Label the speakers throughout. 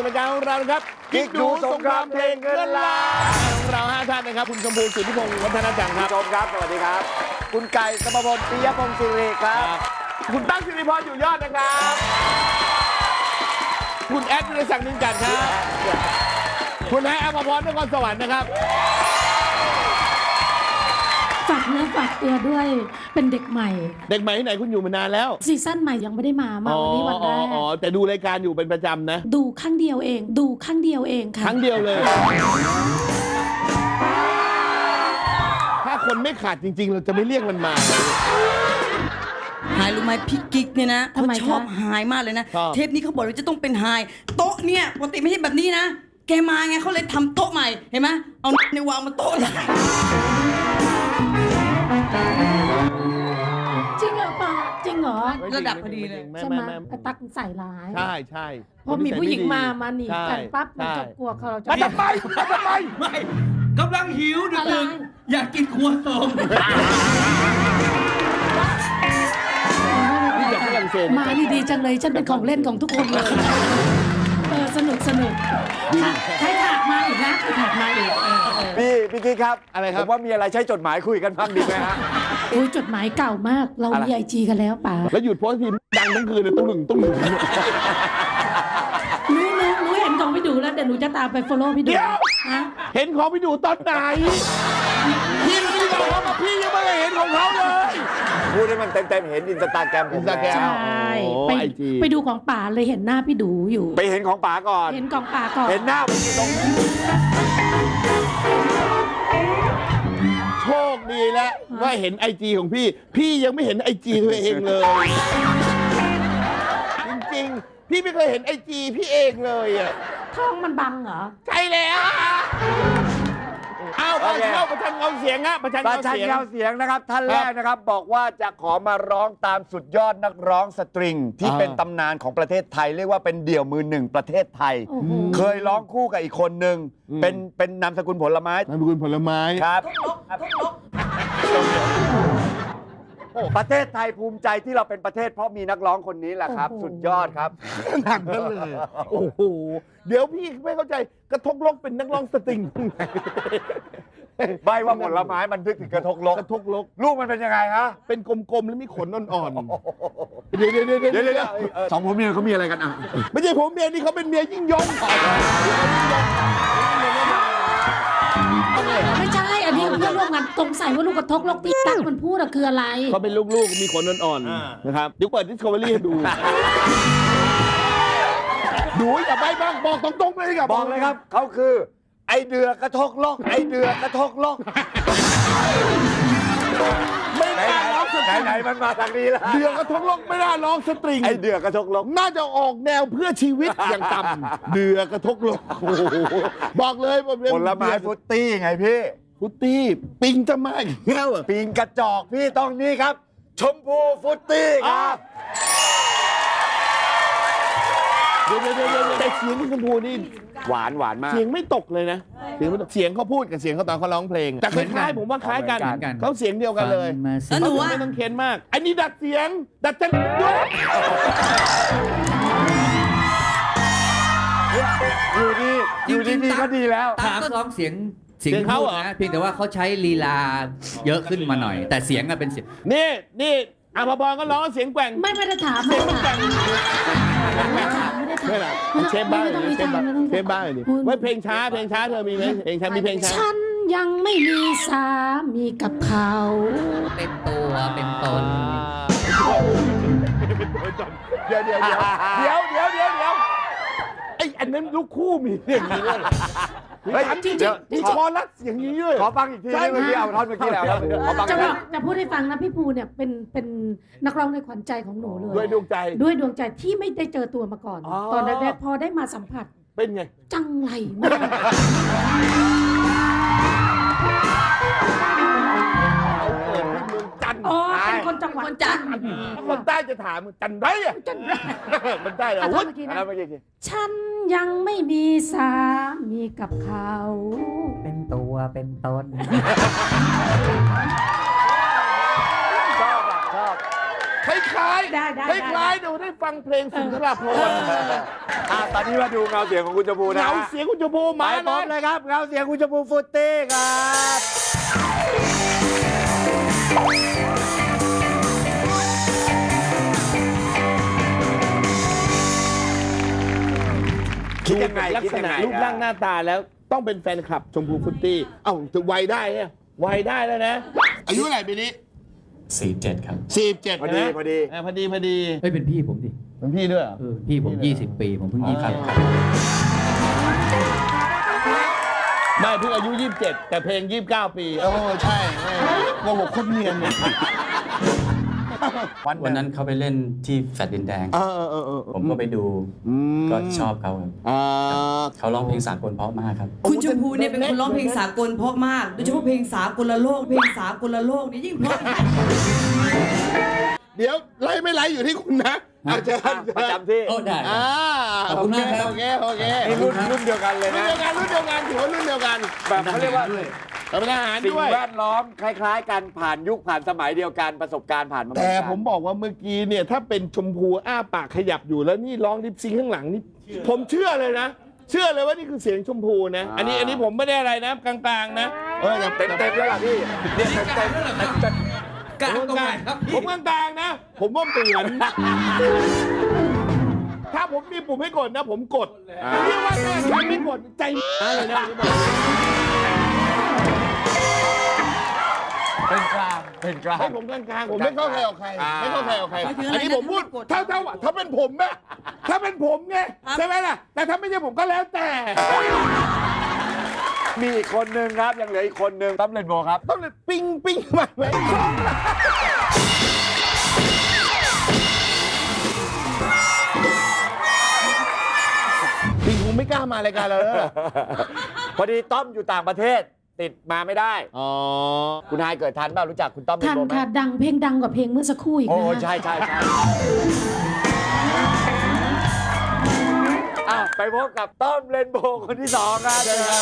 Speaker 1: รายการของเรานะครับ
Speaker 2: กิ๊กดูสงครามเพลงเงินล้าน
Speaker 1: ของเรา5ท่านนะครับคุณชมพูสุทธิพงศ์วัฒนจังค
Speaker 2: คุ
Speaker 1: รั
Speaker 2: ณ
Speaker 1: บ
Speaker 2: ชมครับสวัสดีครับ คุณไก่สมพลปิยพงศ์สิริครับ
Speaker 1: คุณตั้งสิริพรอยู่ยอดนะครับ คุณแอดวิรศักดิ์นินจันทร์ครับ คุณไออภพรนครสวรรค์นะครับ
Speaker 3: ฝากเนื้อฝากตัวด้วยเป็นเด็กใหม่
Speaker 1: เด็กใหม่ที่ไหนคุณอยู่มานานแล้ว
Speaker 3: ซีซั่นใหม่ยังไม่ได้มาวันนี้วันแรก
Speaker 1: แต่ดูรายการอยู่เป็นประจำนะ
Speaker 3: ดูข้างเดียวเองค่ะ
Speaker 1: ครั้งเดียวเลย ถ้าคนไม่ขาดจริง ๆ เราจะไม่เรียกมันมา
Speaker 4: หายรู้ไหมพี่กิ๊กเนี่ยนะเขาชอบหายมากเลยนะ
Speaker 1: ชอบ
Speaker 4: เทปนี้เขาบอกว่าจะต้องเป็นหายโต๊ะเนี่ยปกติไม่ใช่แบบนี้นะ แกมาไงเขาเลยทำโต๊ะใหม่เห็นไหมเอาในวางบนโต๊ะเลย
Speaker 3: จริงเหรอป้าจริงเหรอ
Speaker 4: ระดับพอดีเลย
Speaker 1: ไม่
Speaker 3: ใช่
Speaker 1: ไม่
Speaker 3: ไหม
Speaker 1: ไม่
Speaker 3: ไอ้ตักใส่ร้าย
Speaker 1: ใช่ใช่
Speaker 3: พอมีผู้หญิงมาหนี
Speaker 1: ใช่
Speaker 3: กันปั๊บมัน
Speaker 1: ใช่
Speaker 3: จะกลัวเขาเราจะ
Speaker 1: มาทำไมมาทำไม
Speaker 5: ไม่กำลังหิวดึ
Speaker 3: อะไร
Speaker 5: กๆอยากกินครัวซอง
Speaker 1: นี่จากฝรั่งเศส
Speaker 3: มานี่ดีจังเลยฉันเป็นของเล่นของทุกคนเลยสนุกใครถากมาอีกนะใครถากมาอีก
Speaker 2: พี่กิ๊กครับ
Speaker 1: อะไรครับ
Speaker 2: ผมว่ามีอะไรใช้จดหมายคุยกันบ้างดีไหมฮะ
Speaker 3: โอ้ยจดหมายเก่ามากเรามีไอจีกันแล้วป่า
Speaker 1: แล้วหยุดโพสต์ทีดังทั้งคืนเลยตุ้งหนึ่ง
Speaker 3: หนูเห็นของพี่ดูแล้วเดี๋ยวหนูจะตามไป follow พี่ดู
Speaker 1: เดี๋ยว
Speaker 3: ฮะ
Speaker 1: เห็นของพี่ดูตอนไหนพี่ไม่ได้บอกว่าพี่ยังไม่ได้เห็นของเขาเลย
Speaker 2: พูดให้มันเต็มๆเห็นอินสตาแกรมผม
Speaker 1: Instagram
Speaker 3: ใช
Speaker 2: แล้ว
Speaker 3: ่
Speaker 1: โอ้
Speaker 3: ไป
Speaker 1: IG
Speaker 3: ไปดูของป่าเลยเห็นหน้าพี่ดูอยู่
Speaker 2: ไปเห็นของป๋าก่อน
Speaker 3: เห็นของป่าก่อน
Speaker 2: เห็นหน้าผมอยู่ตรง
Speaker 1: โชคดีแล้วว่าเห็นไอจีของพี่ พี่ยังไม่เห็นไอจีตัวเองเลย จริงๆ พี่ไม่เคยเห็นไอจีพี่เองเลยอ่ะ
Speaker 3: ท้องมันบังเหรอ
Speaker 1: ใช่แล้วเอาไปเข้าประชันเงาเสียงฮะประชัน
Speaker 2: ประ
Speaker 1: เงา
Speaker 2: ชัน
Speaker 1: เสียง
Speaker 2: เงาเสียงนะครับ ท่านแรกนะครับ บอกว่าจะขอมาร้องตามสุดยอดนักร้องสตริง ที่เป็นตำนานของประเทศไทย เรียกว่าเป็นเดี่ยวมือหนึ่งประเทศไทย
Speaker 3: โอ้โห
Speaker 2: เคยร้องคู่กับอีกคนหนึ่งเป็นนามสกุลผลไม้
Speaker 1: นามสกุลผลไม้
Speaker 2: ครับ ประเทศไทยภูมิใจที่เราเป็นประเทศเพราะมีนักร้องคนนี้แหละครับ
Speaker 3: โอ้โห
Speaker 2: สุดยอดครับ
Speaker 1: หนักนั่นเลย โอ้โห เดี๋ยวพี่ไม่เข้าใจกระทกลกเป็นนักร้องสตริงตรงไหน
Speaker 2: ไม่ว่าผลไม้มันนึกถึงกระทกลก
Speaker 1: กระทกลก
Speaker 2: ลูกมันเป็นยังไงฮะ
Speaker 1: เป็นกลมๆ แล้วมีขนอ่อนๆ เดี๋ยว
Speaker 2: เดี๋ยวสองผมเนี่ยเขามีอะไรกันอ่ะ
Speaker 1: ไม่ใช่ผมเมียนี่เขาเป็นเมียยิ่งยง
Speaker 3: ไม่ใช่ อันนี้เพื่อนร่วมงานสงสัยว่าลูกกระทกลกที่ตักมันพูดอะคืออะไร
Speaker 1: เขาเป็นลูกๆ มีขนอ่อนๆ นะครับเดี๋ยวเปิด Discovery ให้ดู ดูอย่าไปบ้างบอกตรงๆเลยครับ
Speaker 2: บอกเลยครับ เขาคือ ไอเดือกระทกลก ไอเดือกระทกลก
Speaker 1: ไม่น่าร้องสตริง
Speaker 2: ไหนมันมาทางนี้แล้ว
Speaker 1: เดือกกระทกลกไม่น่าร้องสตริง
Speaker 2: ไอเดือกระทกลก
Speaker 1: น่าจะออกแนวเพื่อชีวิตอย่างต่ำ เดือกกระทกลกโอ้โหบอกเลยว่าเป็น
Speaker 2: ผลไม้ฟรุตตี้ไงพี่
Speaker 1: ฟุตตี้ปิงจะมาอีกแล้วเหรอ
Speaker 2: ปีนกระจอกพี่ต้องนี่ครับ ชมพูฟรุตตี้ครับ
Speaker 1: เดี๋ยวแต่เสียงคุณชมพูนี่
Speaker 2: หวานมาก
Speaker 1: เสียงไม่ตกเลยนะ เสียงไม่ตกเสียงเขาพูดกับเสียงเขาตอนเขาร้องเพลงแต่คล้ายๆผมว่าคล้ายกัน
Speaker 2: เหมือนกัน
Speaker 1: เขาเสียงเดียวกันเลย
Speaker 4: แล้วหนูว่า
Speaker 1: ไม่ต้องเค้นมาก อันนี้ดัดเสียง ดัดจังด้วย
Speaker 2: อยู่ดีก็ดีแล้ว
Speaker 5: ถามร้องเสียง
Speaker 1: เสียงเขาเหรอ
Speaker 5: นะเพียงแต่ว่าเขาใช้ลีลาเยอะขึ้นมาหน่อย แต่เสียงอะเป็นเสียง
Speaker 1: นี่อภพรก็ร้องเสียงแกว่ง
Speaker 3: ไม่ได้ถาม
Speaker 1: เสียงมันแกว่ง
Speaker 3: ไม่ได้ถาม
Speaker 1: ไม่หรอกเชฟบ้าง
Speaker 3: ไม่ต้องมี
Speaker 1: เชฟ
Speaker 3: ทา
Speaker 1: บ้าง
Speaker 3: ไม่ต้อง
Speaker 1: เชฟบ้างดิไว้เพลงช้าเธอมีไหมเพลงช้ามีเพลงช้า
Speaker 3: ฉันยังไม่มีสามีกับเขา
Speaker 5: เป็นตัวเป็นตน
Speaker 1: เดี๋ยวไอ้อันนั้นลูกคู่มีอย่างนี้ด้วย
Speaker 2: เฮ้ย
Speaker 1: จริง
Speaker 2: เดี๋ยว
Speaker 1: มีคอรัสอย่างนี้ด้วย
Speaker 2: ขอฟังอีกทีเมื่อกี้เอาท่อนเมื่อกี้แล้วครับขอฟัง
Speaker 3: จะ
Speaker 2: อีก
Speaker 3: บ
Speaker 2: ที
Speaker 3: อกจะพูดให้ฟังนะพี่ภูเนี่ยเป็นนักร้องในขวัญใจของหนูเลย
Speaker 1: ด้วยดวงใจ
Speaker 3: ด้วยดวงใจที่ไม่ได้เจอตัวมาก่อน
Speaker 1: อ๋อ
Speaker 3: ตอนแรกๆพอได้มาสัมผัส
Speaker 1: เป็นไง
Speaker 3: จังไรมาก
Speaker 1: เกิดที่เมืองจันทร์
Speaker 3: อ๋อเป็นคนจังหวัด
Speaker 4: คนจันทร์
Speaker 1: คนใต้จะถามจันทร์ไรอ่ะ
Speaker 3: จันไร
Speaker 1: มันได้เหรอ
Speaker 3: อ่ะท่
Speaker 1: วุ้
Speaker 3: อนเมื่อกี้นะ
Speaker 2: แล้วเมื่อกี้ที
Speaker 3: ฉันยังไม่มีสามีกับเขา
Speaker 5: เป็นตัวเป็นตน
Speaker 2: ชอบอ่ะชอบ
Speaker 1: คล้ายๆ
Speaker 3: ได้
Speaker 1: คล้ายๆเดี๋ยวได้ฟังเพลงสุนทรภรณ์
Speaker 2: ตอนนี้มาดูเงาเสียงของคุณชมพูนะ
Speaker 1: เงาเสียงคุณชมพู
Speaker 2: ไป
Speaker 1: มา
Speaker 2: พร้อมเลยครับเงาเสียงคุณชมพูฟุตตี้ครับคิดยังไง
Speaker 1: ลัก
Speaker 2: คิด
Speaker 1: ษ
Speaker 2: ยัง
Speaker 1: ณะ
Speaker 2: ไง
Speaker 1: รูปร่างหน้าตาแล้วต้องเป็นแฟนคลับชมพูฟุตตี้เอ้าจะวัยได้เนี่ยวัยได้แล้วนะ อายุเท่าไหร่ปีนี้
Speaker 6: 47 ครับ
Speaker 1: 47
Speaker 2: พอดี
Speaker 1: นะ
Speaker 2: พอดี
Speaker 1: พอดี
Speaker 5: เฮ้ยเป็นพี่ผมดิ
Speaker 1: เป็นพี่ด้วยเหรอ
Speaker 5: พี่ผม 20 ปีผมเพิ่ง 20
Speaker 1: ไม่เพิ่งอายุ 27 แต่เพลง 29 ปีโอ้ใช่โกหกโคตรเนียนเนี่ย
Speaker 6: วันนั้นเขาไปเล่นที่แฟลตดินแดง ผมก็ไปดูก็ชอบเขาครับเขาร้องเพลงสากลเพราะมากครับ
Speaker 4: คุณชมพูเนี่ยเป็นคนร้องเพลงสากลเพราะมากโดยเฉพาะเพลงสากลโลกเพลงสากลโลกนี่ยิ่งเพราะ
Speaker 1: เดี๋ยวไล่ไม่ไล่อยู่ที่คุณนะอาจารย์
Speaker 2: ประจำที่
Speaker 5: โอ้ได้ ขอบคุณมากครับ
Speaker 1: โอเค
Speaker 2: นี่รุ่นเดียวกันเลย
Speaker 1: รุ่น
Speaker 2: นะ
Speaker 1: เดียวกันถือว่ารุ่นเดียวกัน
Speaker 2: แบบเขาเรียกว่า
Speaker 1: เป็นทหาร
Speaker 2: สิ่ง
Speaker 1: ด้วย
Speaker 2: แวดล้อมคล้ายๆกันผ่านยุคผ่านสมัยเดียวกันประสบการณ์ผ่านมาเหอน
Speaker 1: แต่
Speaker 2: กัน
Speaker 1: ผมบอกว่าเมื่อกี้เนี่ยถ้าเป็นชมพูอ้าปากขยับอยู่แล้วนี่ร้องลิปซิงค์ข้างหลังนี่ผมเชื่อเลยนะ เชื่อเลยว่านี่คือเสียงชมพูนะ อันนี้ผมไม่ได้อะไรนะกลางๆนะ
Speaker 2: เ
Speaker 1: แต่
Speaker 2: ต็มแล้วล่ะพี่เนี่ยเต็ม
Speaker 5: กลางตรงไหนครับ
Speaker 1: ผมกลางๆนะ ผมว่าเหมือนถ้าผมมีปุ่มให้กดนะ ผมกดเรียกว่าแม่ฉันไม่กดใจเลยนะ
Speaker 2: เป็นกลางเป็นกลาง
Speaker 1: ให้ผมกลางๆผมไม่เข้าใครออกใครไม่เข้าใครออกใคร
Speaker 4: ไม่ถึงอะไรนะ
Speaker 1: อันนี้ผมพูด
Speaker 4: ถ้า
Speaker 1: ถ้าเป็นผมนะถ้าเป็นผมไงใช่ไหมล่ะแต่ถ้าไม่ใช่ผมก็แล้วแต่
Speaker 2: มีอีกคนนึงครับยังเหลืออีกคนนึงตั้มเลนโบครับ
Speaker 1: ต้องเลยปิ้งมาไหมปิ้งคงไม่กล้ามารายการเราแล้ว
Speaker 2: พอดีต้อมอยู่ต่างประเทศติดมาไม่ได้
Speaker 1: อ๋อ
Speaker 2: คุณนายเกิดทันเปล่ารู้จักคุณต้อมเลน
Speaker 3: ทัน
Speaker 2: โบไหม
Speaker 3: ค่ะดังเพลงดังกว่าเพลงเมื่อสักครู่อีก
Speaker 2: โอ้
Speaker 3: นะ
Speaker 2: ใช่ไปพบกับต้อมเลนโบคนที่สองครับ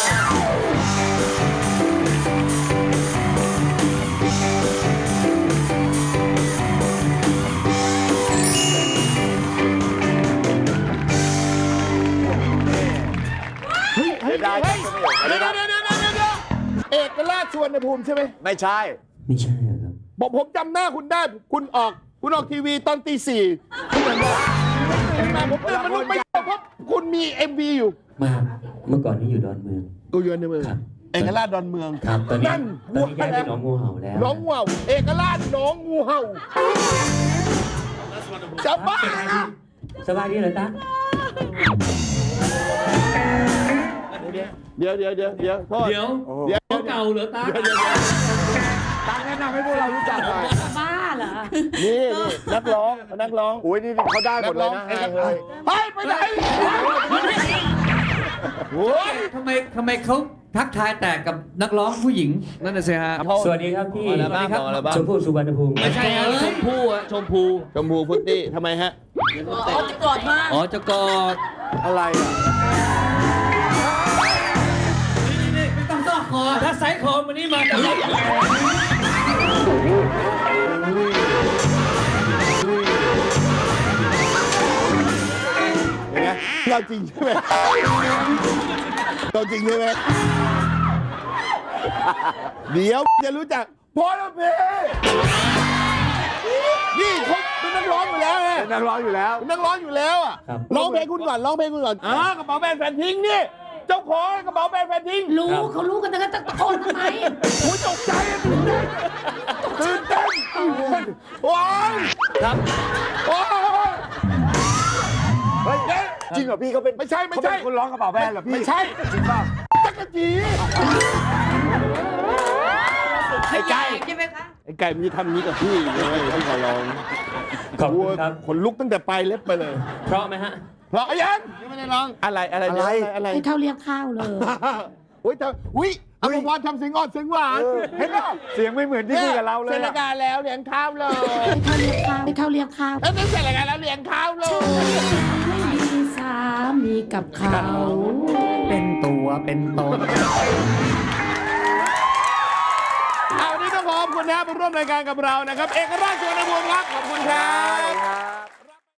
Speaker 2: เดี๋ยว
Speaker 1: เอกราชสุวรรณภูมิใช่ไหม
Speaker 2: ไม่ใช่
Speaker 6: ไม่ใช่ครับ
Speaker 1: บอกผมจำหน้าคุณได้คุณออกทีวีตอนตี 4คุณเหมือนว่าผมตื่นมาลุกไม่ได้เพราะคุณมี MV อยู่
Speaker 6: มาเมื่อก่อนนี้อยู่ดอนเมือง
Speaker 1: กูอยู่ในเมือง
Speaker 6: ครับ
Speaker 1: เอกราชดอนเมือง
Speaker 6: ครับตอนนี้
Speaker 1: นั่น
Speaker 6: ย้ายไปหนองงูเห่าแล้ว
Speaker 1: น้องงูเห่าเอกราชน้องงูเห่าจะบ้า
Speaker 6: สบายดีเหรอตา
Speaker 1: เดี๋ยวโทษ
Speaker 5: เดี๋ยวเก่าเหรอตา
Speaker 2: ตั้งแนะนำให้พวกเรารู้จักหน่อย
Speaker 3: บ้าเหรอ
Speaker 1: นี่นักร้อง
Speaker 2: โอ้ยนี่เขาได้หมดเลยนะให้เลย
Speaker 1: เฮ้ยไปไหนโอ้ย
Speaker 5: ทำไมเขาทักทายแต่กับนักร้องผู้หญิง นั่นน่ะสิฮะ
Speaker 6: สวัสดีครับพี่
Speaker 5: สวัสดีครับ
Speaker 6: ชมพู่สุวรรณภูมิ
Speaker 5: ไม่ใช่ฮะชมพู่อะชมพู
Speaker 1: ชมพูฟุตตี้ทำไมฮะ
Speaker 4: จะกอดมา
Speaker 5: อ๋อจะกอด
Speaker 2: อะไรอ่ะ
Speaker 5: ไม่ต้องซ่อคอถ้าไซส์คอมันนี่มาจะล็อก
Speaker 1: เป็นไงเราจริงใช่ไหมเราจริงใช่ไหมเดี๋ยวจะรู้จักพอแล้วเพนี่เขาเป็นนักร้องอยู่แล้วไง
Speaker 2: เป็นนักร้องอยู่แล้ว
Speaker 1: เป็นนักร้องอยู่แล้วอ่ะ
Speaker 6: ครับ
Speaker 1: ร้องเพลงคุณก่อนกระเป๋าแบรนด์แฟนทิ้งนี่เจ้าของกระเป๋าแบรนด์แฟนทิ้ง
Speaker 3: รู้เขารู้กันแต่ก็ตะโกนทำไม
Speaker 1: โอ้ยตกใจตื่นเต้นว้าว
Speaker 2: ครับ
Speaker 1: ว้าว
Speaker 2: เฮ้ยจริงเหรอพี่เขาเป็น
Speaker 1: ไม่ใช่
Speaker 2: เขาเป็นคนร้องกระเป๋าแบรนด์เหรอพี่
Speaker 1: ไม่ใช่
Speaker 2: จริงเปล่า
Speaker 1: จักรจี
Speaker 4: ไอ้ไก่ใช่ไหมคะ
Speaker 1: ไอ้ไก่มันจะทำนี้กับพี่เลยพี่ขอร้อง
Speaker 6: ขอบคุณครับ
Speaker 1: ขนลุกตั้งแต่ปลายเล็บไปเลย
Speaker 6: เพราะไหมฮะ
Speaker 1: เพราะยังไม่ได้ร้องอะไร
Speaker 3: ให้เขาเรียกข้าวเลย
Speaker 1: อุ้ยเธออุ้ยอภพรทำเสียงอ่อนเสียงหวานเห็นป่ะ
Speaker 2: เสียงไม่เหมือนที่คุยกับเราเลย
Speaker 1: เสร็จรายการแล้วเลี้ยงข้าวเลย
Speaker 3: ให้เขาเรียกข้าว
Speaker 1: แล้วนี่เสร็จรายการแล้วเลี้ยงข้าวเลย
Speaker 3: ไม่มีสามีกับเขา
Speaker 5: เป็นตัวเป็นตน
Speaker 1: เอาวันนี้ต้องขอบคุณนะมาร่วมรายการกับเรานะครับ เอกราชสุวรรณภูมิครับขอบคุณคครับ